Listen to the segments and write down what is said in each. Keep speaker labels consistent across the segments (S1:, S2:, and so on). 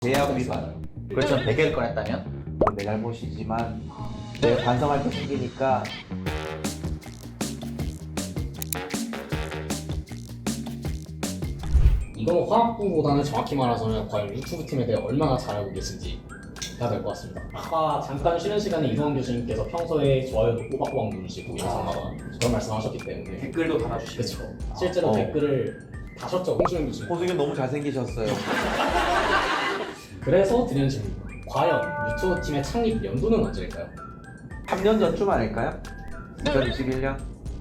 S1: 계약 위반.
S2: 그렇죠. 100개를 꺼냈다면?
S1: 그건 내 잘못이지만 내가 반성할 게 생기니까
S3: 이건 화학부보다는 정확히 말하자면 과연 유튜브 팀에 대해 얼마나 잘 알고 계신지가 될 것 같습니다. 아까 잠깐 쉬는 시간에 이동환 교수님께서 평소에 좋아요도 꼬박꼬박 누르시고 영상마다 그런 말씀하셨기 때문에
S4: 댓글도 달아주시고.
S3: 그렇죠. 실제로 댓글을 다셨죠, 홍준영 교수님.
S1: 호승이 너무 잘생기셨어요.
S3: 그래서 드리는 질문. 과연 유튜브 팀의 창립 연도는 언제일까요?
S1: 3년 전쯤 아닐까요? 2021년?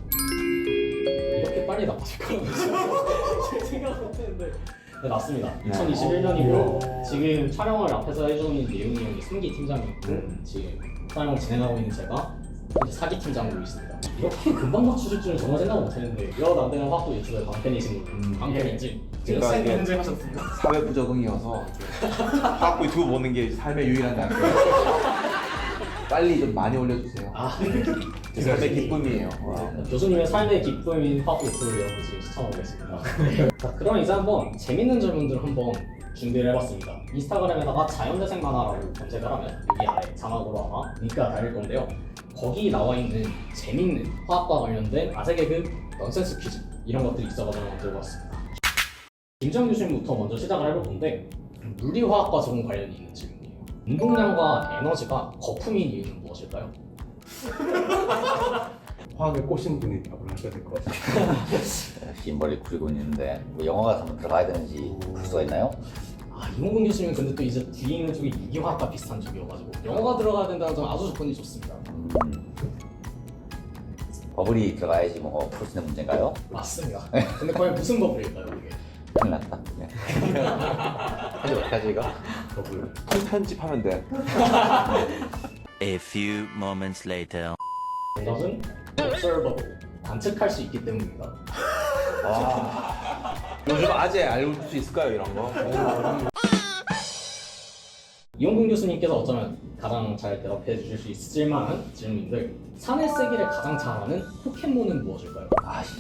S3: 이렇게 빨리 나빠질 거라고 생각을 못했는데 네, 맞습니다.
S1: 네.
S3: 2021년이고요. 지금 촬영을 앞에서 해주고 있는 예웅이 형이 3기 팀장이고 지금 촬영을 진행하고 있는 제가 이제 4기 팀장으로 있습니다. 이렇게 금방 맞추실 줄은 정말 생각 못했는데 이러다 안 되는 화학도 유튜브의 방편이신 걸로 방편인지
S4: 지금
S1: 제가
S4: 쌤
S1: 이게
S4: 인증하셨습니다.
S1: 사회 부적응이어서 화학부 유튜브 보는 게 삶의 유일한 낙이에요. 빨리 좀 많이 올려주세요. 제 삶의 기쁨이에요. 와.
S3: 교수님의 삶의 기쁨인 화학도 유튜브를 여러분 지금 시청하고 계십니다. 자, 그럼 이제 한번 재밌는 질문들을 한번 준비를 해봤습니다. 인스타그램에다가 자연재생 만화라고 검색을 하면 여기 아래 자막으로 아마 링크가 달릴 건데요. 거기 나와 있는 재밌는 화학과 관련된 아재 개그, 넌센스 퀴즈 이런 것들이 있어가지고 한번 들고 왔습니다. 김정 교수님부터 먼저 시작을 해볼 건데 물리화학과 조금 관련이 있는 질문이에요. 운동량과 에너지가 거품인 이유는 무엇일까요?
S5: 화학에 꽂힌 분이 답을 하셔야 될 것 같아요.
S2: 긴 머리 구리고 있는데 뭐 영어 같은 거 들어가야 되는지 볼 수가 있나요?
S3: 이몽근 교수님은 근데 또 이제 뒤에 있는 쪽이 유기화학과 비슷한 쪽이어가지고 영어가 들어가야 된다는 점 아주 조건이 좋습니다.
S2: 버블이 들어가야지 뭐 풀 수 있는 문제인가요?
S3: 맞습니다. 근데 과연 무슨 버블일까요 이게?
S2: 큰일 났다. 네. 하지 어떡하지 이거?
S1: 버블. 편집하면 돼.
S6: A few moments later.
S3: 정답은 observable, 관측할 수 있기 때문입니다.
S1: 와. 요즘 아재 알고 수 있을까요 이런 거?
S3: 이용근 교수님께서 어쩌면 가장 잘 대답해 주실 수 있을 만한 질문인데 산의 세기를 가장 잘 아는 포켓몬은 무엇일까요?
S2: 아씨.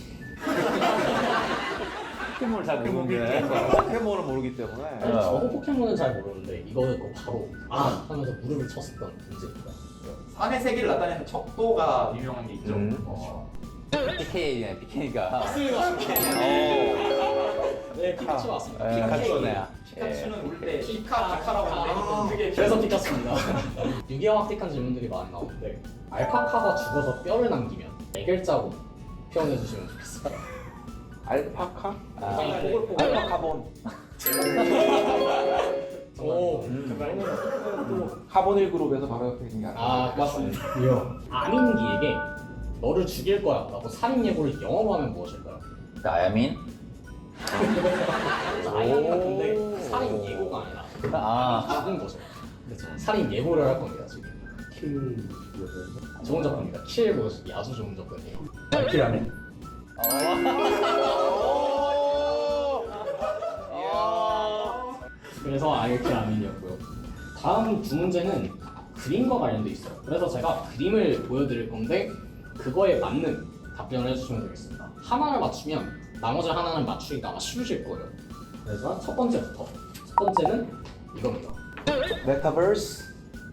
S1: 포켓몬을 잘 모르는데 포켓몬을 모르기 때문에
S3: 사실 저도 포켓몬은 잘 모르는데 이거 듣고 바로 하면서 무릎을 쳤었던 문제입니다.
S4: 산의 세계를 나타내는 척도가 유명한 게 있죠.
S2: PK네 PK가.
S3: 네, 피카츄 맞습니다.
S1: 피카츄네.
S4: 피카츄는 울 때 피카라고 하는데 그게
S3: 그래서 피카츄입니다. 유기화학틱한 질문들이 많이 나오는데 알파카가 죽어서 뼈를 남기면 4글자로 표현해 주시면 좋겠습니다.
S1: 알파카?
S3: 뽀글뽀글.
S1: 알파카본.
S3: 오,
S1: 카보닐 그룹에서 바로 옆에 있는 게 아니라.
S3: 맞습니다. 아민기에게 너를 죽일 거야 라고 살인 예고를 영어로 하면 무엇일까요?
S2: 아야민?
S3: 아이언 같은데 살인 예고가 아니라 죽은 거죠. 그렇죠. 살인 예고를 할 겁니다 지금. 좋은 접근입니다. 킬 보여주기 아주 좋은 접근이에요.
S5: 알키라네?
S3: 그래서 아이킬 아민이었고요. 다음 두 문제는 그림과 관련돼 있어요. 그래서 제가 그림을 보여드릴 건데 그거에 맞는 답변을 해주시면 되겠습니다. 하나를 맞추면 나머지 하나는 맞추기가 아마 쉬우실 거예요. 그래서 첫 번째부터. 첫 번째는 이겁니다.
S1: 메타버스?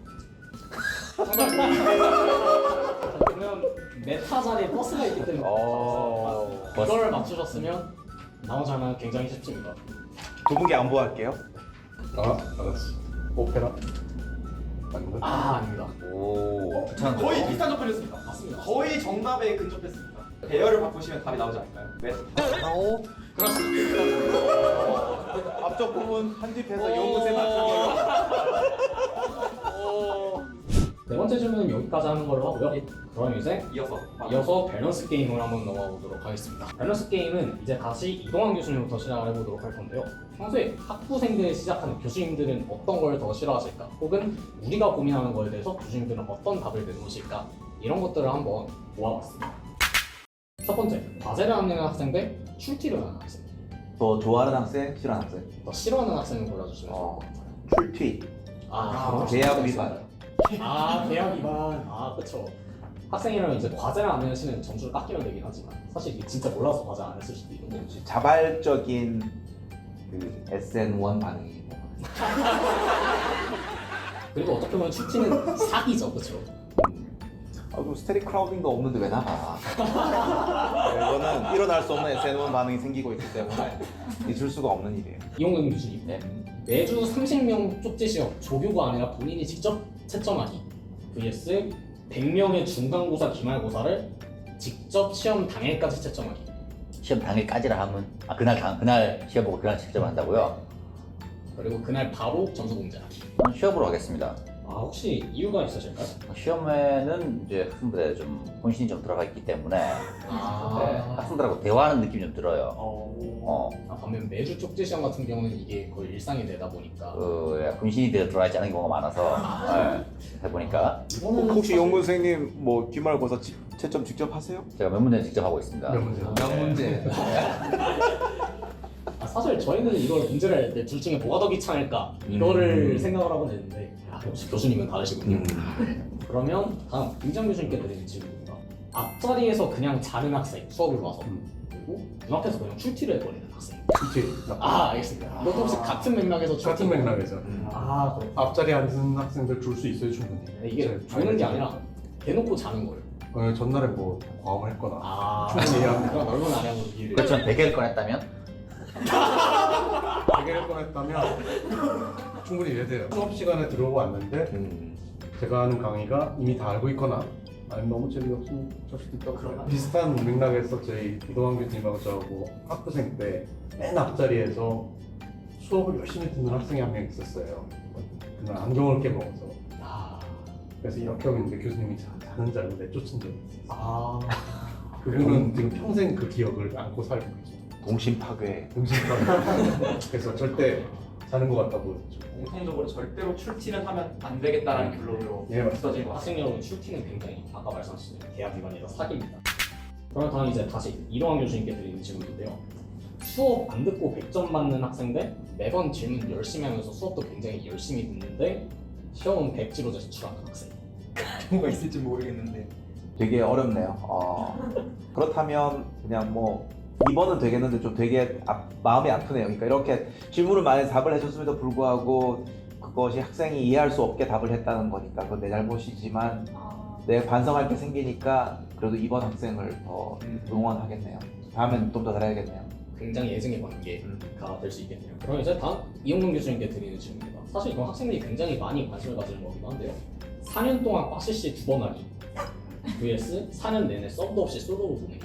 S3: 그러면 메타 자리에 버스가 있기 때문에 이걸 맞추셨으면 나머지 하나는 굉장히 쉽습니다.
S1: 두 분께 안보할게요.
S5: 알았어. 오페라? 아닌가?
S3: 아닙니다.
S2: 오.
S4: 거의 비슷한 접근이었습니다.
S3: 맞습니다.
S4: 거의 정답에 근접했습니다. 배열을 바꾸시면 답이 나오지 않을까요?
S3: 그렇습니다.
S1: 앞쪽 부분 편집해서 연구세 맞추기로.
S3: 네 번째 질문은 여기까지 하는 걸로 하고요. 그럼 이제
S4: 이어서
S3: 밸런스 게임을 한번 넘어가 보도록 하겠습니다. 밸런스 게임은 이제 다시 이동환 교수님부터 시작을 해보도록 할 건데요. 평소에 학부생들을 시작하는 교수님들은 어떤 걸 더 싫어하실까? 혹은 우리가 고민하는 거에 대해서 교수님들은 어떤 답을 내놓으실까? 이런 것들을 한번 모아봤습니다. 첫 번째, 과제를 하는 학생 대 출티를 하는 학생.
S1: 더 좋아하는 학생, 싫어하는 학생.
S3: 더 싫어하는 학생을 골라주시면 좋을 것 같아요.
S1: 출퇴. 계약 위반.
S3: 계약 위반. 그쵸. 학생이라면 이제 과제를 안 내시는 점수를 깎이면 되긴 하지만 사실 이게 진짜 몰라서 과제 안 했을 수도 있는 거지.
S1: 자발적인 그 SN1 반응이
S3: 그리고 어떻게 보면 출티는 사기죠, 그렇죠?
S1: 그럼 스테리 크라우딩도 없는데 왜 나가? 이거는 일어날 수 없는 SNM 반응이 생기고 있기 때문에 있을 수가 없는 일이에요.
S3: 이용근 교수님,
S2: 네.
S3: 매주 30명 쪽지 시험 조교가 아니라 본인이 직접 채점하기 vs 100명의 중간고사, 기말고사를 직접 시험 당일까지 채점하기.
S2: 시험 당일까지라 하면 그날 시험 보고 그날 채점한다고요?
S3: 그리고 그날 바로 점수 공개하기.
S2: 저는 시험으로 하겠습니다.
S3: 혹시 이유가 있으실까요?
S2: 시험에는 이제 학생들의 좀 본신이 좀 들어가 있기 때문에 네,
S3: 아,
S2: 학생들하고 대화하는 느낌이 좀 들어요.
S3: 반면 매주 쪽지 시험 같은 경우는 이게 거의 일상이 되다 보니까
S2: 본신이 들어가 있지 않은 경우가 많아서 해보니까
S3: 이거는
S1: 혹시
S3: 사실-
S1: 용근 선생님 뭐 기말고사 채점 직접 하세요?
S2: 제가 몇 문제는 직접 하고 있습니다.
S5: 몇 문제?
S1: 몇 문제?
S3: 사실 저희는 이걸 문제를 할 때 둘 중에 뭐가 더 귀찮을까 이거를 생각을 하고 내는데 역시 교수님은 다르시군요. 그러면 다음 김장 교수님께 드리는 질문입니다. 앞자리에서 그냥 자는 학생 수업을 봐서 그리고 눈앞에서 그냥 출티를 해버리는 학생.
S5: 그치.
S3: 알겠습니다. 이것도 혹시 같은 맥락에서 출티?
S5: 같은 맥락에서
S3: 그렇군요.
S5: 앞자리에 앉은 학생들 줄 수 있어요 충분히.
S3: 이게
S5: 제-
S3: 조는 게 아니라 대놓고 자는 거예요.
S5: 전날에 뭐 과음을 했거나 충분히 이해합니다.
S3: 그런 넓은 아량으로 이해를.
S2: 그렇죠. 100개를 꺼냈다면
S5: 100개를 꺼냈다면 충분히 이해돼요. 수업 시간에 들어오고 왔는데 제가 하는 강의가 이미 다 알고 있거나 아니면 너무 재미없으면 줄 수도 있다고.
S3: 그러나?
S5: 비슷한 맥락에서 저희 이동환 교수님하고 저하고 학부생 때 맨 앞자리에서 수업을 열심히 듣는 학생이 한 명 있었어요. 그날 안경을 깨먹어서. 그래서 이렇게 하고 있는데 교수님이 자는 줄 알고 내쫓은 적이 있어요. 그분은 지금 평생 그 기억을 안고 살고 있죠.
S1: 동심 파괴.
S5: 그래서 절대 자는 것 같다 보였죠.
S4: 공통적으로 절대로 출티는 하면 안 되겠다라는 결론으로
S5: 예, 맞습니다.
S4: 굳어진 것 같습니다.
S3: 학생 여러분 출티는 굉장히 아까 말씀하신 계약 위반이라 사기입니다. 그럼 다음 이제 다시 이동환 교수님께 드리는 질문인데요. 수업 안 듣고 100점 받는 학생 대 매번 질문 열심히 하면서 수업도 굉장히 열심히 듣는데 시험은 100지로 제출하는 학생.
S4: 뭐가 있을지 모르겠는데
S1: 되게 어렵네요. 그렇다면 그냥 뭐 2번은 되겠는데 좀 되게 마음이 아프네요. 그러니까 이렇게 질문을 많이 답을 해줬음에도 불구하고 그것이 학생이 이해할 수 없게 답을 했다는 거니까 그건 내 잘못이지만 내가 반성할 게 생기니까 그래도 2번 학생을 더 응원하겠네요. 다음엔 좀 더 잘해야겠네요.
S3: 굉장히 예증의 관계가 될 수 있겠네요. 그럼 이제 다음 이용근 교수님께 드리는 질문입니다. 사실 이건 학생들이 굉장히 많이 관심을 가지는 거기도 한데요. 4년 동안 빠시시 2번 하기 vs 4년 내내 썸도 없이 솔로로 보내기.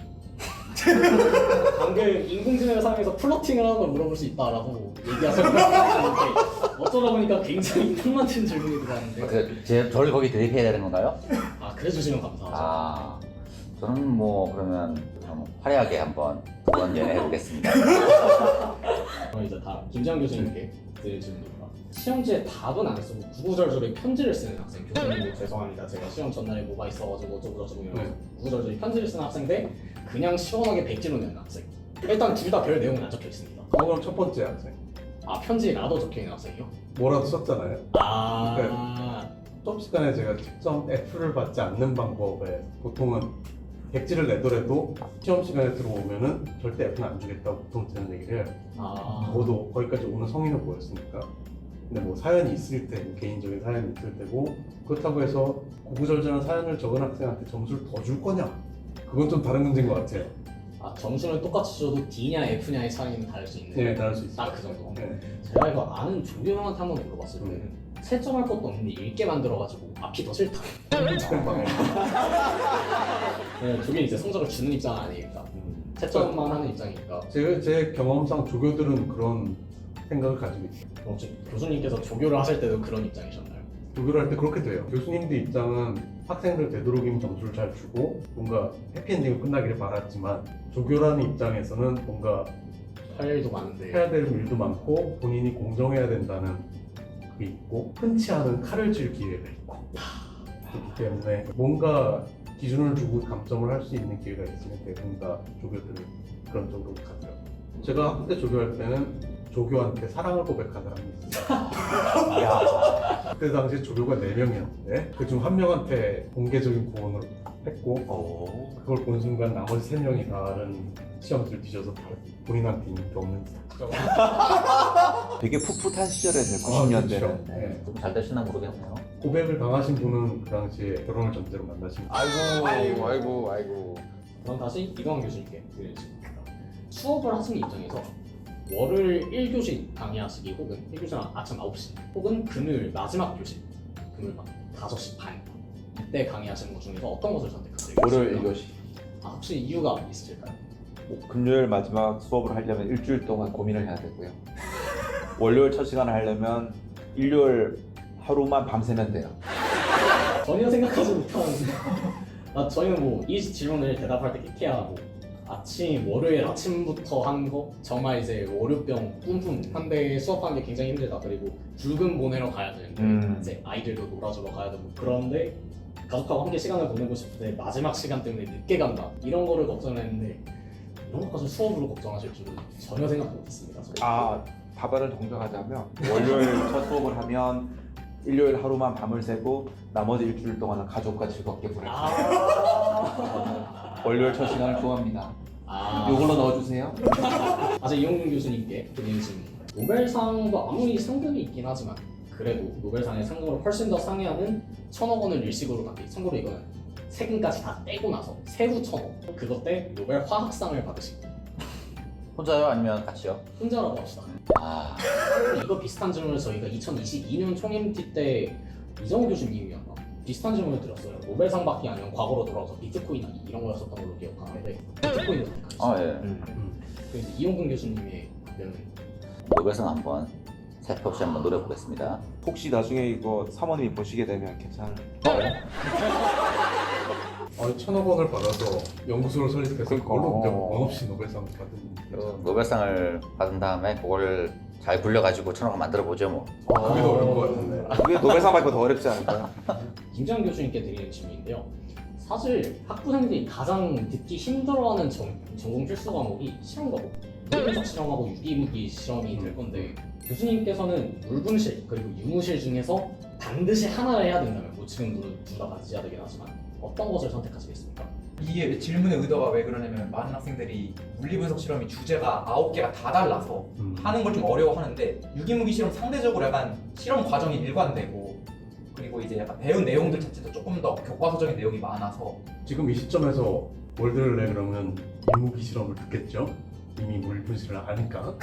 S3: 방금 인공지능을 사용해서 플러팅을 하는 걸 물어볼 수 있다라고 얘기하셨는데 어쩌다 보니까 굉장히 큰 맞춘 질문이 들어왔는데
S2: 저를 거기 대입해야 되는 건가요?
S3: 그래 주시면 감사하죠.
S2: 저는 뭐 그러면 좀 화려하게 한번 그런 연애 해보겠습니다.
S3: 그럼 이제 다음 김재환 교수님께 드릴 질문입니다. 시험지에 답은 안 쓰고 구구절절히 편지를 쓰는 학생. 교수님 죄송합니다. 제가 시험 전날에 뭐가 있어가지고 어쩌고저쩌고 이러면서 구구절절히 편지를 쓰는 학생 대 그냥 시원하게 백지로 내는 학생. 일단 둘 다 별 내용은 안 적혀 있습니다.
S5: 그럼 첫 번째 학생
S3: 편지라도 적혀 있는 학생이요?
S5: 뭐라도 썼잖아요.
S3: 아,
S5: 수업 시간에 제가 직접 F를 받지 않는 방법에 보통은 백지를 내더라도 시험 시간에 들어오면은 절대 F는 안 주겠다고 보통 저는 얘기를 해요. 저도 거기까지 오는 성인을 보였으니까. 근데 뭐 사연이 있을 때, 개인적인 사연이 있을 때고 그렇다고 해서 구구절절한 사연을 적은 학생한테 점수를 더 줄 거냐? 그건 좀 다른 문제인 것 같아요.
S3: 점수는 똑같이 줘도 D냐 F냐의 차이는 다를 수 있는.
S5: 네, 다를 수 있어요.
S3: 딱 그 정도.
S5: 네.
S3: 제가 이거 아는 조교 형한테 한번 물어봤을 때는 채점할 것도 없는데 읽게 만들어가지고 앞이 더 싫다. 네, 조교는 이제 성적을 주는 입장은 아니니까 채점만 하는 입장이니까.
S5: 제 경험상 조교들은 그런 생각을 가지고 있어요.
S3: 혹시 교수님께서 조교를 하실 때도 그런 입장이셨나요?
S5: 조교를 할 때 그렇게 돼요. 교수님들 입장은 학생들 되도록이면 점수를 잘 주고 뭔가 해피엔딩으로 끝나기를 바랐지만 조교라는 입장에서는 뭔가
S3: 할 일도 많은데.
S5: 해야 될 일도 많고 본인이 공정해야 된다는 그게 있고 흔치 않은 칼을 쥘 기회가 있고 그렇기 때문에 뭔가 기준을 두고 감점을 할 수 있는 기회가 있으면 대부분 다 조교들은 그런 쪽으로 가더라고요. 제가 학부 때 조교할 때는 조교한테 사랑을 고백한 사람이 있어요. 그때 당시에 조교가 4명이었는데 그중 한 명한테 공개적인 구원을 했고 그걸 본 순간 나머지 3명이 다른 시험지를 뒤져서 다 본인한테 인기 없는
S1: 되게 풋풋한 시절이었네요.
S5: 아,
S1: 90년대는.
S5: 그렇죠. 네.
S2: 좀 잘 되시나 모르겠네요.
S5: 고백을 당하신 분은 그 당시에 결혼을 전제로 만나신 분.
S2: 아이고.
S3: 그럼 다시 이동환 교수님께 드리는 질문입니다. 수업을 하시는 입장에서 월요일 1교시 강의하시기 혹은 1교시는 아침 9시 혹은 금요일 마지막 교시 금요일 밤 5시 반 이때 강의하시는 것 중에서 어떤 것을 선택하세요?
S1: 월요일 1교시.
S3: 혹시 이유가 있으실까요?
S1: 금요일 마지막 수업을 하려면 일주일 동안 고민을 해야 되고요. 월요일 첫 시간을 하려면 일요일 하루만 밤새면 돼요.
S3: 전혀 생각하지 못한 저희는 뭐 이 질문을 대답할 때 키케야 월요일 아침부터 한 거 정말 이제 월요병 뿜뿜 한데 수업하는 게 굉장히 힘들다. 그리고 불금 보내러 가야 되는데 이제 아이들도 놀아주러 가야 되고 그런데 가족하고 함께 시간을 보내고 싶은데 마지막 시간 때문에 늦게 간다 이런 거를 걱정했는데 이런 것까지 수업으로 걱정하실 줄은 전혀 생각 못했습니다.
S1: 답안을 정정하자면 월요일 첫 수업을 하면 일요일 하루만 밤을 새고 나머지 일주일 동안은 가족과 즐겁게 보내고 월요일 첫 시간을 좋아합니다. 이걸로 넣어주세요.
S3: 아직 이용균 교수님께 드리는 질문. 노벨상도 아무리 상금이 있긴 하지만 그래도 노벨상의 상금으로 훨씬 더 상회하는 1,000억 원을 일식으로 받기. 참고로 이거는 세금까지 다 떼고 나서 세후 1,000억. 그것 때 노벨 화학상을 받으시고
S2: 혼자요? 아니면 같이요?
S3: 혼자라고 합시다. 이거 비슷한 질문을 저희가 2022년 총임티 때 이정우 교수님이었나? 비슷한 질문을 드렸어요. 노벨상 받기 아니면 과거로 돌아와서 비트코인 하기 이런 거였었던 걸로 기억하는데 비트코인을 선택하셨어요. 그래서 이용근 교수님의 답변은
S2: 노벨상 한번 살펴없이 한번 노려보겠습니다.
S1: 혹시 나중에 이거 사모님이 보시게 되면 괜찮을까요?
S5: 1,000억 원을 받아서 연구소를 설립해서
S1: 그러니까.
S5: 그걸로 그냥 원 없이 노벨상을 받은
S2: 그 노벨상을 받은 다음에 그걸 잘 굴려가지고 1,000억 원 만들어보죠 뭐.
S5: 그게 더 어려운 것 같은데.
S1: 그게 노벨상 받고 더 어렵지 않을까요?
S3: 김지현 교수님께 드리는 질문인데요. 사실 학부생들이 가장 듣기 힘들어하는 전공 필수 과목이 실험 과목, 물분석 실험하고 유기무기 실험이 될 건데 교수님께서는 물분실 그리고 유무실 중에서 반드시 하나를 해야 된다면 뭐 지금 둘 다 같이 해야 되긴 하지만 어떤 것을 선택하시겠습니까?
S4: 이게 질문의 의도가 왜 그러냐면 많은 학생들이 물리분석 실험이 주제가 9개가 다 달라서 하는 걸 좀 어려워하는데 유기무기 실험 상대적으로 약간 실험 과정이 일관되고 그리고 이제 약간 배운 내용들 자체도 조금 더 교과서적인 내용이 많아서
S5: 지금 이 시점에서 뭘 들을래 그러면 유무기 실험을 듣겠죠? 이미 물분실을 아니까.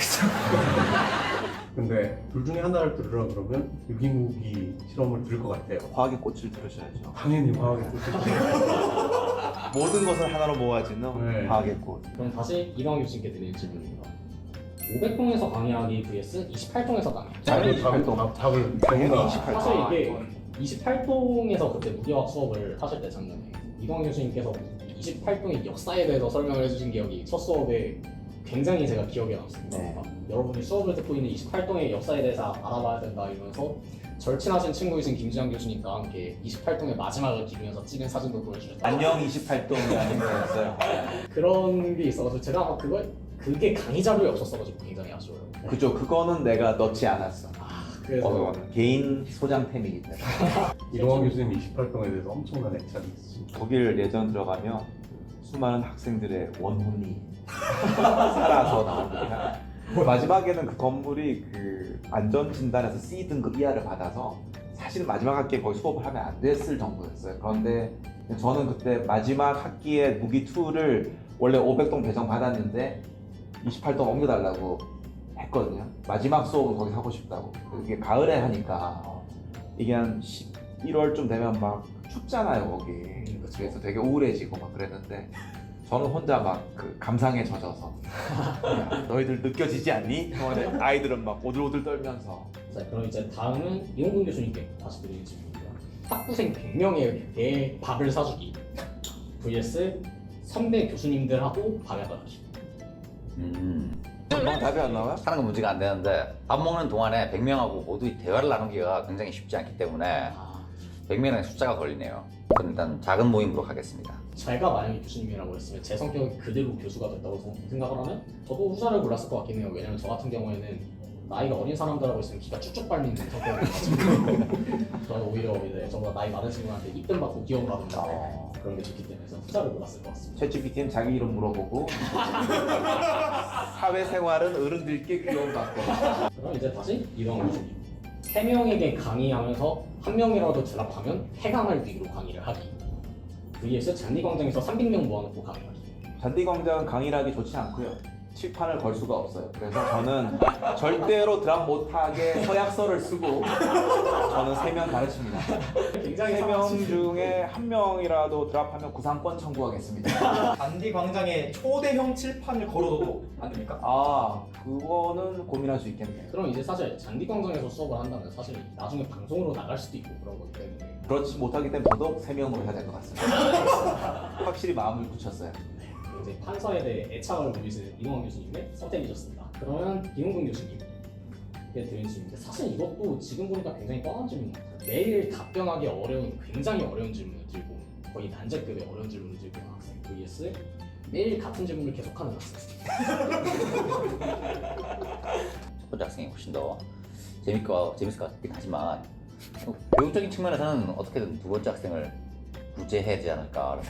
S5: 근데 둘 중에 하나를 들으라 그러면 유기무기 실험을 들을 것 같아요.
S1: 화학의 꽃을 들으셔야죠.
S5: 당연히 화학의 뜻이
S1: 모든 것을 하나로 모아지는
S5: 네.
S1: 화학의 꽃.
S3: 그럼 다시 이광 교수님께 드리는 질문입니다. 500동에서 강의하기 vs 28동에서 강의하기.
S5: 답을
S1: 당연히
S5: 당연히
S1: 28동.
S3: 사실 이게 28동에서 그때 무기화학 수업을 하실 때 작년에 이광 교수님께서 28동의 역사에 대해서 설명을 해주신 기억이 첫 수업에 굉장히 제가 기억에 남습니다.
S1: 네.
S3: 여러분이 수업을 듣고 있는 28동의 역사에 대해서 알아봐야 된다 이러면서 절친하신 친구이신 김지현 교수님과 함께 28동의 마지막을 기리면서 찍은 사진도 보여주셨다.
S1: 안녕 28동이라는 거였어요.
S3: 그런 게 있어가지고 제가 아마 그게 강의 자료에 없었어가지고 굉장히 아쉬워요.
S1: 그죠. 그거는 내가 넣지 않았어.
S3: 그래서
S1: 개인 소장템이기 때문에.
S5: 이동환 교수님 28동에 대해서 엄청난 애착이 있으십니다.
S1: 독일 예전 들어가면 수많은 학생들의 원혼이 살아서 나옵니다. 마지막에는 그 건물이 그 안전진단에서 C 등급 이하를 받아서 사실 마지막 학기에 거의 수업을 하면 안 됐을 정도였어요. 그런데 저는 그때 마지막 학기에 무기 2를 원래 500동 배정 받았는데 28동 옮겨달라고 했거든요. 마지막 수업은 거기 하고 싶다고. 이게 가을에 하니까 이게 한 11월쯤 되면 막 춥잖아요 거기. 그래서 되게 우울해지고 막 그랬는데 저는 혼자 막 그 감상에 젖어서 야, 너희들 느껴지지 않니? 아이들은 막 오들오들 떨면서.
S3: 자, 그럼 이제 다음은 이용근 교수님께 다시 드리는 질문입니다. 학부생 100명에게 밥을 사주기 vs 선배 교수님들하고 밥약을 하기.
S1: 금방 답이 안 나와요?
S2: 하는 건 문제가 안 되는데 밥 먹는 동안에 100명하고 모두 대화를 나누기가 굉장히 쉽지 않기 때문에 100명의 숫자가 걸리네요. 그럼 일단 작은 모임으로 가겠습니다.
S3: 제가 만약에 교수님이라고 했으면 제 성격이 그대로 교수가 됐다고 생각을 하면 저도 후자를 골랐을 것 같긴 해요. 왜냐면 저 같은 경우에는 나이가 어린 사람들하고 있으면 기가 쭉쭉 빨리는 성격이라가지고 저는 오히려 이제 저보다 나이 많은 친구한테 입금 받고 기원받는다 그런 게 좋기 때문에 저는 후자를 골랐을 것 같습니다.
S1: 챗GPT는 자기 이름 물어보고 사회생활은 어른들께 귀여움받고.
S3: 그럼 이제 다시 이동환 교수님. 3명에게 강의하면서 한 명이라도 드랍하면 해강할 위기로 강의를 하기. vs 잔디광장에서 300명 모아놓고 강의하기.
S1: 잔디광장은 강의를 하기 좋지 않고요. 칠판을 걸 수가 없어요. 그래서 저는 절대로 드랍 못하게 서약서를 쓰고 저는 3명 가르칩니다.
S3: 굉장히
S1: 3명 중에 1명이라도 드랍하면 구상권 청구하겠습니다.
S4: 잔디 광장에 초대형 칠판을 걸어도 안 됩니까?
S1: 아, 그거는 고민할 수 있겠네요.
S3: 그럼 이제 사실 잔디광장에서 수업을 한다면 사실 나중에 방송으로 나갈 수도 있고 그런 거기 때문에
S1: 그렇지 못하기 때문에 더더욱 3명으로 해야 될 것 같습니다. 확실히 마음을 굳혔어요.
S3: 이제 판사에 대해 애착을 보이시는 이동환 교수님의 선택이셨습니다. 그러면 김웅근 교수님께 드린 질문인데 사실 이것도 지금 보니까 굉장히 뻔한 질문 같아요. 매일 답변하기 어려운 굉장히 어려운 질문을 들고 거의 난제급의 어려운 질문을 들고 있는 학생 vs 매일 같은 질문을 계속하는 학생.
S2: 첫 번째 학생이 훨씬 더 재밌을 것 같긴 하지만 교육적인 측면에서는 어떻게든 두 번째 학생을 구제해야 되지 않을까.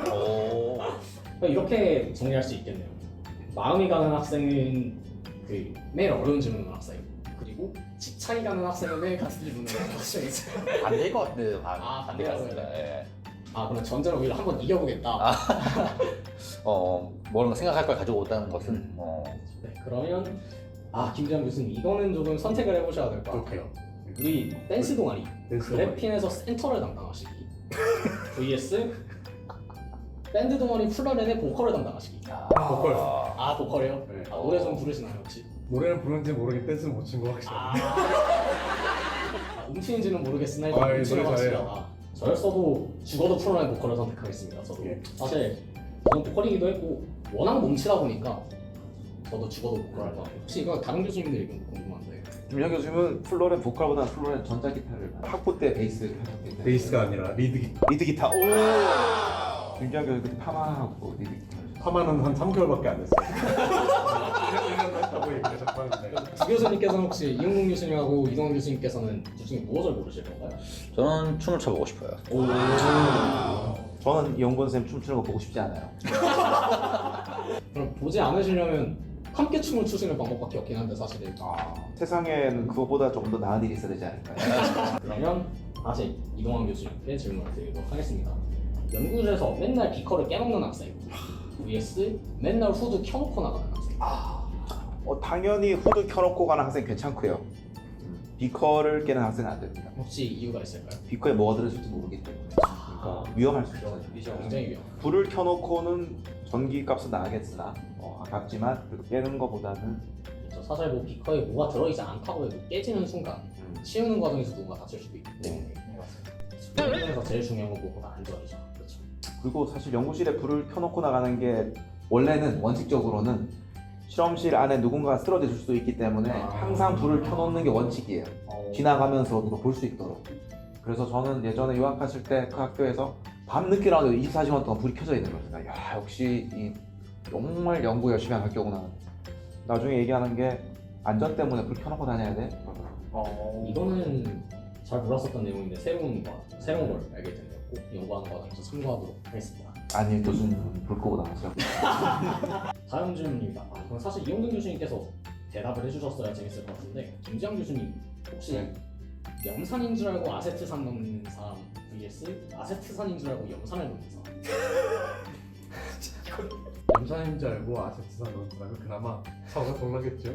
S3: 이렇게 정리할 수 있겠네요. 마음이 가는 학생은 그 매일 어려운 질문을 학생 그리고 집착이 가는 학생은 매일 같은 질문을 학생이죠.
S2: 반대일 것 같은데
S3: 아,
S2: 반대 같습니다. 예.
S3: 아 그럼 전제로 오히려 한번 이겨보겠다.
S2: 뭔가 생각할 걸 가지고 온다는 것은
S3: 네, 그러면 김지현 교수님 이거는 조금 선택을 해보셔야 될 것 같아요. 우리 댄스 동아리 그래핀에서 센터를 담당하시기 vs 밴드 동아리 플러렌의 보컬을 담당하시기.
S5: 보컬.
S3: 보컬이요?
S5: 네.
S3: 노래 좀 부르시나요 혹시?
S5: 노래는 부르는지 모르게 댄스는 못 친 거 확실히.
S3: 음치인지는 모르겠으나 일단
S5: 노래
S3: 음치를
S5: 잘해요.
S3: 확실하다. 저였어도 죽어도 프로라인 보컬을 선택하겠습니다. 저도
S5: 예.
S3: 사실 저는 보컬이기도 했고 워낙 몸치다 보니까 저도 죽어도 보컬 할 것 같아요. 혹시 이거 다른 교수님들 의견도 궁금한데.
S1: 김현 교수님은 플로렌 보컬보다 플로렌 전자기타를 학부 때 베이스
S5: 베이스가 아니라 리드 기타.
S1: 리드 기타. 오. 김현 교수 그때 파마하고 리드 기타.
S5: 파마는 한 3개월밖에 안 됐어요. 1년 했다고 얘기를 자꾸 하는데.
S3: 두 교수님께서는 혹시 이용국 교수님하고 이동환 교수님께서는 둘 중에 무엇을 고르실 건가요?
S2: 저는 춤을 춰보고 싶어요.
S1: 저는 이용권 쌤 춤추는 거 보고 싶지 않아요.
S3: 그럼 보지 않으시려면 함께 춤을 추시는 방법밖에 없긴 한데 사실은.
S1: 세상에는 그거보다 조금 더 나은 일이 있어야 되지 않을까요?
S3: 그러면 다시 이동환 교수님께 질문을 드리도록 하겠습니다. 연구실에서 맨날 비커를 깨먹는 학생 vs 맨날 후드 켜놓고 나가는 학생.
S1: 당연히 후드 켜놓고 가는 학생 괜찮고요. 비커를 깨는 학생은 안 됩니다.
S3: 혹시 이유가 있을까요?
S1: 비커에 뭐가 들어있을지 모르기 때문에. 그러니까 위험할 수 있어요.
S3: 굉장히 위험.
S1: 불을 켜놓고는 전기값은 나가겠으나 아깝지만 그래도 깨는 것보다는
S3: 그렇죠. 사실 뭐 비커에 뭐가 들어있지 않다고 해도 깨지는 순간 치우는 과정에서 누군가 다칠 수도 있기 때문에 수련에서 제일 중요한 건 무엇보다 안전이죠. 그렇죠.
S1: 그리고 사실 연구실에 불을 켜놓고 나가는 게 원래는 원칙적으로는 실험실 안에 누군가가 쓰러져 줄 수도 있기 때문에 항상 불을 켜놓는 게 원칙이에요. 지나가면서 누가 볼 수 있도록. 그래서 저는 예전에 유학했을 때 그 학교에서 밤늦게 나와도 24시간 동안 불이 켜져 있는 거예요. 야 역시 이 정말 연구 열심히 한 학교구나. 나중에 얘기하는 게 안전 때문에 불 켜놓고 다녀야 돼.
S3: 이거는 잘 몰랐었던 내용인데 새로운 걸 알게 됐네요. 꼭 연구하는 과정에서 참고하도록 하겠습니다.
S1: 아니 교수님은 불 끄고 나가세요.
S3: 다음 질문입니다. 이건 사실 이용근 교수님께서 대답을 해주셨어야 재밌을 것 같은데 김지영 교수님 혹시 염산인 줄 알고 아세트산 넣는 사람 vs 아세트산인 줄 알고 염산을 넣는 사람.
S5: 염산인 줄 알고 아세트산 넣은 사람은 그나마 사고가 덜 나겠죠.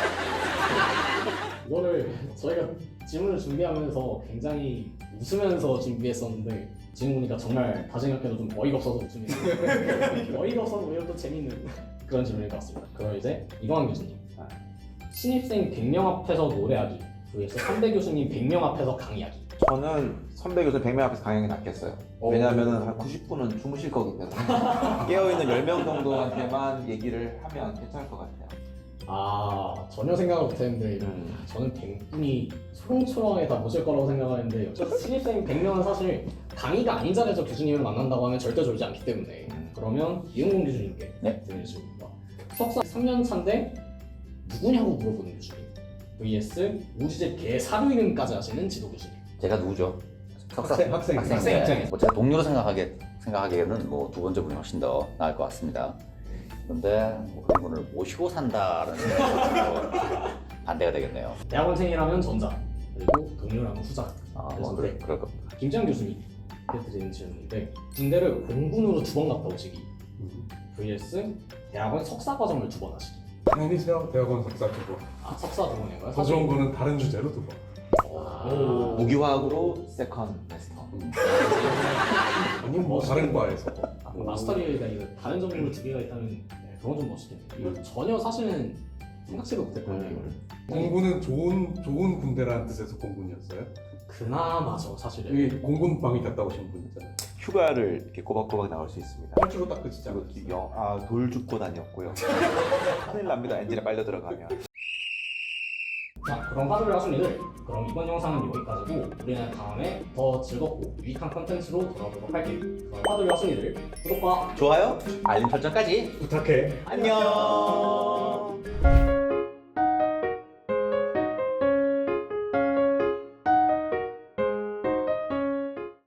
S3: 이거를 저희가 질문을 준비하면서 굉장히 웃으면서 준비했었는데 지금 보니까 정말 다 생각해도 좀 어이가 없어서 웃음이 어이가 없어서 오히려 또 재밌는 그런 질문일 것 같습니다. 그럼 이제 이동환 교수님 신입생 100명 앞에서 노래하기 vs 선배 교수님 100명 앞에서 강의하기.
S1: 저는 선배 교수 100명 앞에서 강연이 낫겠어요. 왜냐하면 한 90분은 주무실 거기 때문에 깨어있는 10명 정도한테만 얘기를 하면 괜찮을 것 같아요.
S3: 전혀 생각을 못했는데 저는 100분이 초롱초롱하게 다 모실 거라고 생각하는데 신입생 100명은 사실 강의가 아닌 자리에서 교수님을 만난다고 하면 절대 졸지 않기 때문에 그러면 이용공 교수님께 드리는 질문입니다. 석사 3년 차인데 누구냐고 물어보는 교수님 vs 우주집 개 사료 이름까지 하시는 지도교실.
S2: 제가 누구죠?
S5: 학생
S3: 입장에서.
S2: 뭐 제가 동료로 생각하기에는 뭐 두 번째 분이 훨씬 더 나을 것 같습니다. 그런데 뭐 그런 분을 모시고 산다라는 생각으로 반대가 되겠네요.
S3: 대학원생이라면 전자, 그리고 동료라면 후자.
S2: 뭐 그럴 겁니다.
S3: 김지현 교수님 드리는 질문인데 군대를 공군으로 2번 갔다 오시기 vs 대학원 석사 과정을 2번 하시기.
S5: 당연히 대학원 석사 두고
S3: 석사 2번인가요?
S5: 더 좋은 거는 다른 주제로 두고
S1: 무기화학으로 세컨 마스터.
S5: 아니 뭐 다른 과에서
S3: 마스터 디그리가 이거 다른 전공을 2개가 있다면 그건 좀 멋있겠네요. 이거 전혀 사실은 생각지도 못했거든요. 이거를.
S5: 공군은 좋은 군대라는 뜻에서 공군이었어요.
S3: 그나마죠 사실은.
S5: 여기 공군방위 갔다 오신 분 있잖아요.
S1: 휴가를 이렇게 꼬박꼬박 나올 수 있습니다.
S5: 활주로 딱 끝이지 않았어요?
S1: 돌 줍고 다녔고요. 큰일 납니다. 엔진에 빨려 들어가면.
S3: 자, 그럼 화두를 하신 이들, 그럼 이번 영상은 여기까지고 우리는 다음에 더 즐겁고 유익한 컨텐츠로 돌아오도록 할게요. 그럼 화두를 하신 이들, 구독과
S1: 좋아요?
S2: 알림 설정까지
S5: 부탁해.
S1: 안녕.